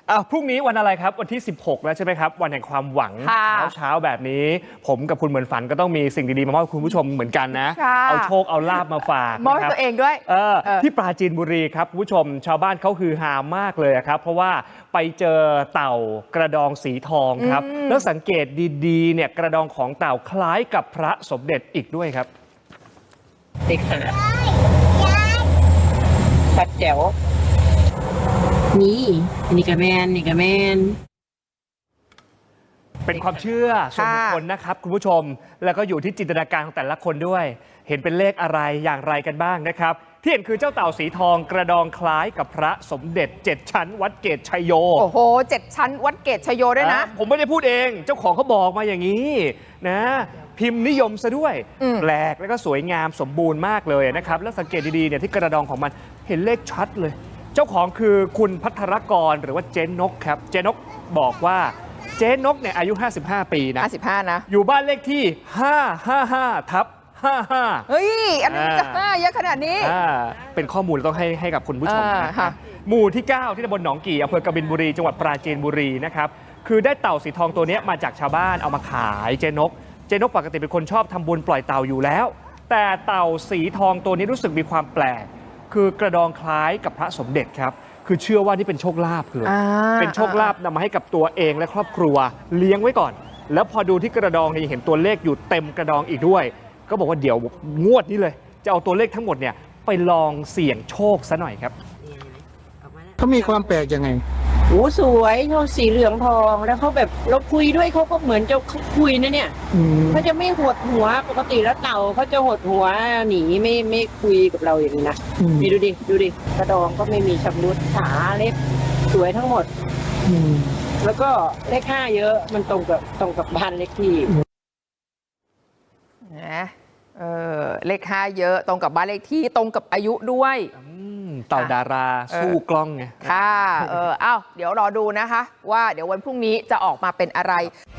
พรุ่งนี้วันอะไรครับวันที่16แล้วใช่ไหมครับวันแห่งความหวังเช้าแบบนี้ผมกับคุณเหมือนฝันก็ต้องมีสิ่งดีๆมามอบคุณผู้ชมเหมือนกันนะเอาโชคเอาลาบมาฝากมอบตัวเองด้วยที่ปราจีนบุรีครับคุณผู้ชมชาวบ้านเขาฮือฮามากเลยครับเพราะว่าไปเจอเต่ากระดองสีทองครับแล้วสังเกตดีๆเนี่ยกระดองของเต่าคล้ายกับพระสมเด็จอีกด้วยครับเด็กหาชัดแจ๋วนี่กระแมนเป็นความเชื่อส่วนบุคคลนะครับคุณผู้ชมแล้วก็อยู่ที่จินตนาการของแต่ละคนด้วยเห็นเป็นเลขอะไรอย่างไรกันบ้างนะครับที่เห็นคือเจ้าเต่าสีทองกระดองคล้ายกับพระสมเด็จ7ชั้นวัดเกตชัยโยโอ้โห7ชั้นวัดเกตชัยโยด้วยนะผมไม่ได้พูดเองเจ้าของเขาบอกมาอย่างนี้นะพิมพ์นิยมซะด้วยแปลกแล้วก็สวยงามสมบูรณ์มากเลยนะครับแล้วสังเกตดีๆเนี่ยที่กระดองของมันเห็นเลขชัดเลยเจ้าของคือคุณพัทรกรหรือว่าเจนนกครับเจนนกบอกว่าเจนกเนี่ยอายุ55 ปีนะ 55นะอยู่บ้านเลขที่555/55 เฮ้ยอันนี้จะ5เยอะขนาดนี้เป็นข้อมูลต้องให้กับคุณผู้ชมนะหมู่ที่9ที่ตำบลหนองกี่อำเภอกบินบุรีจังหวัดปราจีนบุรีนะครับคือได้เต่าสีทองตัวนี้มาจากชาวบ้านเอามาขายเจนกปกติเป็นคนชอบทำบุญปล่อยเต่าอยู่แล้วแต่เต่าสีทองตัวนี้รู้สึกมีความแปลกคือกระดองคล้ายกับพระสมเด็จครับคือเชื่อว่านี่เป็นโชคลาภเลยเป็นโชคลาภนำมาให้กับตัวเองและครอบครัวเลี้ยงไว้ก่อนแล้วพอดูที่กระดองเนี่ยเห็นตัวเลขอยู่เต็มกระดองอีกด้วยก็บอกว่าเดี๋ยวงวดนี้เลยจะเอาตัวเลขทั้งหมดเนี่ยไปลองเสี่ยงโชคซะหน่อยครับเขามีความแปลกยังไงโอ้สวยเขาสีเหลืองทองแล้วเขาแบบเราคุยด้วยเขาก็เหมือนจะคุยนะเนี่ยเขาจะไม่หดหัวปกติแล้วเต่าเขาจะหดหัวหนีไม่คุยกับเราอย่างนี้นะนี่ดูดิกระดองก็ไม่มีชำรุดขาเล็บสวยทั้งหมดแล้วก็เลข5เยอะมันตรงกับบ้านเลขที่นะเลข5เยอะตรงกับบ้านเลขที่ตรงกับอายุด้วยเต่าดาราสู้กล้องไงค่ะเดี๋ยวรอดูนะคะว่าเดี๋ยววันพรุ่งนี้จะออกมาเป็นอะไร